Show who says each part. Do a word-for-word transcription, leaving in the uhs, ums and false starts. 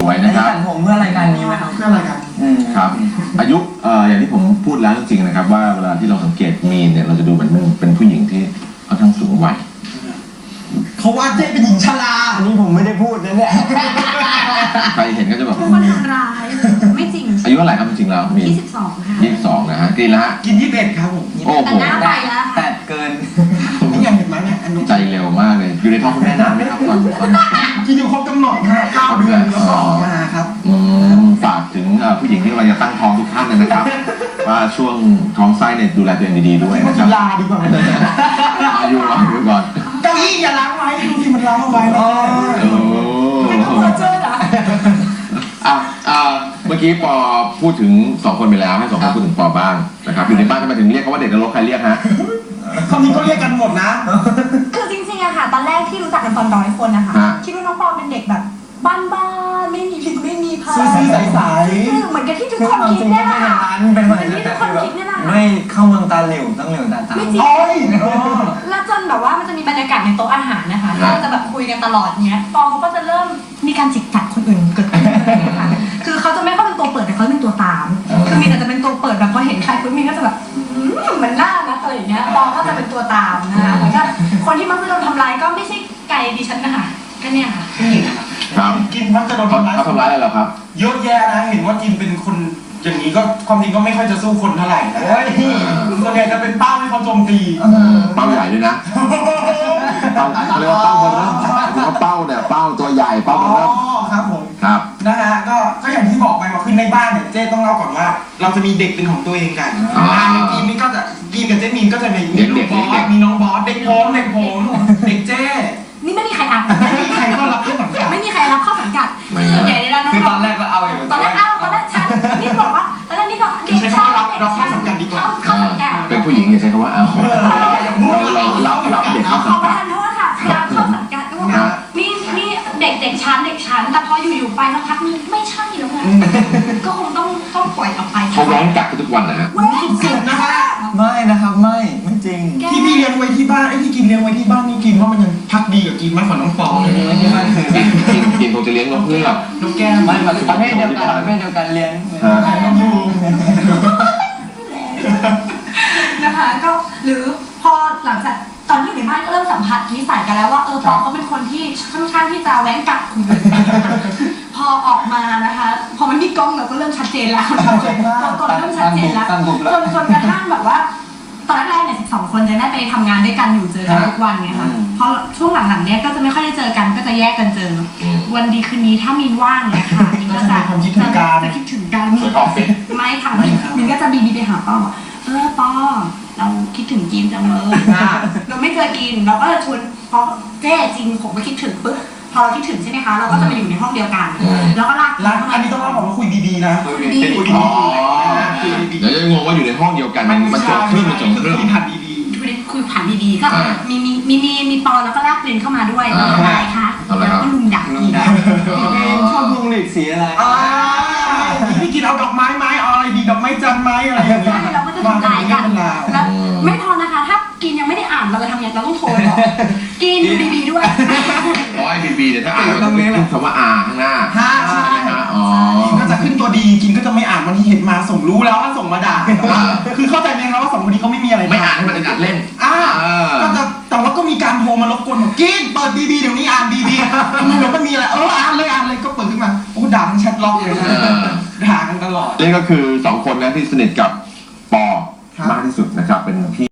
Speaker 1: สวยนะครับ
Speaker 2: ตัดผมเพื่อรายการนี้ไหมครับ
Speaker 3: เพื่อรายการ
Speaker 1: ครับอายุเอ่ออย่างที่ผมพูดแล้วจริงๆนะครับว่าเวลาที่เราสังเกตมีนเนี่ยเราจะดูเหมือนเป็นผู้หญิงที่ค่อนข้างสูงวัย
Speaker 3: เขาว่าเจ๊เป็นหญิงชรา
Speaker 2: อันนี้ผมไม่ได้พูดนะเนี่ย
Speaker 1: ใครเห็นก็จะแบบ
Speaker 4: ทุกคนทำร้ายไม่จริง
Speaker 1: อายุเท่าไหร่ครับจริงๆแล้วมี
Speaker 4: ยี่สิบสองค่ะ
Speaker 1: ยี่สิบสองนะฮะกินละฮะ
Speaker 3: กินยี่สิบเอ็ดครับผม
Speaker 1: โอ้โห
Speaker 4: แต่หน้าไปแล้ว
Speaker 2: แต่เกิน
Speaker 3: นี่ยังเห็นไหมเนี่ย
Speaker 1: ใจเร็วมากเลยอยู่ในท้องคุณแม่นานไหมครับตอนตอน
Speaker 3: กินอยู่ครบกำหนดนะเก้าเดือนแล้วก็ออกมาครับ
Speaker 1: อืมฝากถึงผู้หญิงที่กำลังจะตั้งท้องทุกท่านเลยนะครับว่าช่วงท้องไส้เนี่ยดูแลตัวเองดีๆด้วยนะครับ
Speaker 3: ลาดีกว่า
Speaker 1: อายุอายุก่อน
Speaker 3: เก้าอี้อย่าล้างไว้ดูที่มันล้างเอาไว้
Speaker 1: โอ้
Speaker 4: ไม่ต้องมาเจอเหรอ
Speaker 1: อ่ะอ่าเมื่อกี้ปอพูดถึงสองคนไปแล้วให้สองคนพูดถึงปอบ้างนะครับอยู่ในบ้านทำไมถึงเรียกเขาว่าเด็กนรกใครเรียกฮะ
Speaker 3: คำนี้ก็เรียกกันหมดนะ
Speaker 4: คือจริงๆอะค่ะตอนแรกที่รู้จักกันตอนน้อยคนนะคะคิดว่าน้องปอเป็นเด็กแบบบ้านๆไม่มีพิษไม่มีภัย
Speaker 3: ซื่อๆใส
Speaker 4: ๆเหมือนกับที่ทุกคนคิดเนี่ยแหละค่ะ
Speaker 2: เป็นเหมือน
Speaker 4: ที่ทุกคนคิดเนี่ยแหละ
Speaker 2: ไม่เข้าเมืองตาเหลวต้องเหลวตาตา
Speaker 4: ไม่จริงแล้วจนแบบว่ามันจะมีบรรยากาศในโต๊ะอาหารนะคะที่เราจะแบบคุยกันตลอดเนี้ยปอเขาก็จะเริ่มมีการจิกกัดคนอื่นเกิดขึ้นค่ะคือเขาจะไม่ค่อยเป็นตัวเปิดแต่เขาเป็นตัวตามคือมีแต่จะเป็นตัวเปิดแบบพอเห็นใครปุ๊บมีก็จะแบบเหมือนหน้านะอะไรอย่างเงี้ยปอก็จะเป็นตัวตามนะคะเหมือนกับคนที่มักจะโดนทำร้ายก็ไม่ใช่ไก่ดิฉันนะคะก็เนี่ยค่ะ
Speaker 1: ครับ
Speaker 3: กินมักจะโดนทำร้าย
Speaker 1: เขาทำร้ายอะไรเหรอครับ
Speaker 3: เยอะแยะนะเห็นว่ากินเป็นคนอย่างนี้ก็ความจริงก็ไม่ค่อยจะสู้คนเท่าไหร่นะส่วนใหญ่จะเป็นเป้าให้เขาโจมตี
Speaker 1: เป้าใหญ่ด้วยนะเป้าเขาเรียกว่าเป้าเบอร์เริ่มถือว่าเป้าเนี่ยเป้าตัวใหญ่เป้าเบอร์เริ่ม
Speaker 3: ครับผม
Speaker 1: ครับ
Speaker 3: นะฮะก็ก็อย่างที่บอกไปว่าคือในบ้านเนี่ยเจ๊ต้องเล่าก่อนว่าเราจะมีเด็กเป็นของตัวเองกันในทีมนี้ก็จะกีนกับเจ๊มีนก็จะมีลูกบอสมีน้องบอสเด็กผมเด็กผมเด็กเจ๊
Speaker 4: นี่ไม่มีใครอ่าน
Speaker 3: ไม่มีใครก็รับเข้าสังกัด
Speaker 4: ไม่มีใครรับเข้าสังกัดส่วนใหญ่ในร้านน้อง
Speaker 2: คือตอนแรกก็เอาอยู่
Speaker 4: ตอนแรกเอาตอนแรกฉันนี่บอกว่าตอนแรกนี่ก็เด็กชายเด็กชายเข้าสังกัด
Speaker 1: เป็นผู้หญิงอย่าใช้คำว่าเอาเราเรารับรับเด็กเข้าสังกัด
Speaker 4: ขอประทานโทษค่ะพยายามเข้าสังกัดก็ว่านี่นี่เด็กเด็กชั้นเด็กชั้นแต่พออยู่ๆไปแล้วพักนึงไม่ใช่แล้วไงก็คงต้องต้องปล่อยออกไป
Speaker 1: เขาร้องกัดทุกวันนะฮะ
Speaker 3: สุดๆนะฮะ
Speaker 2: ไม่นะครับไม่ไม่จริง
Speaker 3: ที่พี่เลี้ยงไว้ที่บ้านไอ้ที่กินเลี้ยงไว้ที่บ้านนี่กินว่ามันยังพักดีกับกินมากกว่าน้องปอเลย
Speaker 1: กินกินคงจะเลี้ยงนกเงือก
Speaker 3: นกแก้ว
Speaker 2: ไม่ประเภทเดียวกันประเภทเดียวกันเลี้ยง
Speaker 3: น้องยู
Speaker 4: นะคะก็หรือพอหลังจากตอนที่อยู่ในบ้านก็เริ่มสัมผัสนิสัยกันแล้วว่าเออปอเขาเป็นคนที่ค่อนข้างที่จะแว้งกัดคนอื่นพอออกมานะคะพอมันมีกล้องเราก็เริ่มชัดเจนแล้วตัวตนเริ่มชัดเจนแล้วจนจนกระทั่งแบบว่าตอนแรกเนี่ยสิบสองคนจะได้ไปทำงานด้วยกันอยู่เจอกันทุกวันไงคะเพราะช่วงหลังๆเนี้ยก็จะไม่ค่อยได้เจอกันก็จะแยกกันเจอวันดีคืนนี้ถ้ามีนว่างเนี่ยค่ะมินก็จะจะคิดถึงกันไม่ค่ะมินก็จะบีบีไปหาป้อเออป้อเราคิดถึงกินจังเลยเราไม่เคยกินเราก็จะชวนพอเจ๊จริงผมก็คิดถึงปุ๊บพอเราคิดถึงใช่ไหมคะเราก็จะมาอยู่ในห้องเดียวกันแล้วก็ลาก
Speaker 3: ลากอันนี้ต้องเล่าบอกว่าคุยดีๆนะ
Speaker 1: คุยดีๆเดี๋ยวจะงงว่าอยู่ในห้องเดียวกันมันจบครึ่งมันจบครึ่ง
Speaker 3: คุยผ่านดี
Speaker 4: ๆคุยคุยผ่านดีๆก็มีมีมีมีมีปอแล้วก็ลากเรนเข้ามาด้วยอะไรคะแล้วก็ลุงดักอีก
Speaker 2: ชอบลุงหลีกสีอะไร
Speaker 3: พี่กินเอาดอกไม้ไม้เอาอะไรดีดอกไม้จันไม้อะไรอย่างเงี้ย
Speaker 4: เราก็จะทำลายกันแล้วไม่พอนะคะถ้ากินยังไม่ได้อ่านเราจะทำยังไงเราต้องโทรบอกกินบีบีด้วย
Speaker 1: ร้อยบีบีเดี๋ยวถ้าอ่านเราต้องขึ้นคำว่าอาข้างหน้า
Speaker 3: ใช่ไหมฮะอ๋อก็จะขึ้นตัวดีกินก็จะไม่อ่านวันที่เห็นมาส่งรู้แล้วว่าส่งมาด่าคือเข้าใจไหมครับว่าสองคนนี้เขาไม่มีอะไร
Speaker 1: ไม่อ่านให้มันอัดเล่น
Speaker 3: อ่าก็จะแต่ว่าก็มีการโทรมารบกวนบอกกินเปิดบีบีเดี๋ยวนี้อ่านบีบีมันก็มีอะไรเอออ่านเลยอ่านเลยก็เปิดขึ้นมาโอ้ด่าทั้งแชทล็อกเลยนะด่ากันตลอด
Speaker 1: นี่ก็คือสองคนนะที่สนิทกับปอมากที่สุดนะครับเป็นพี่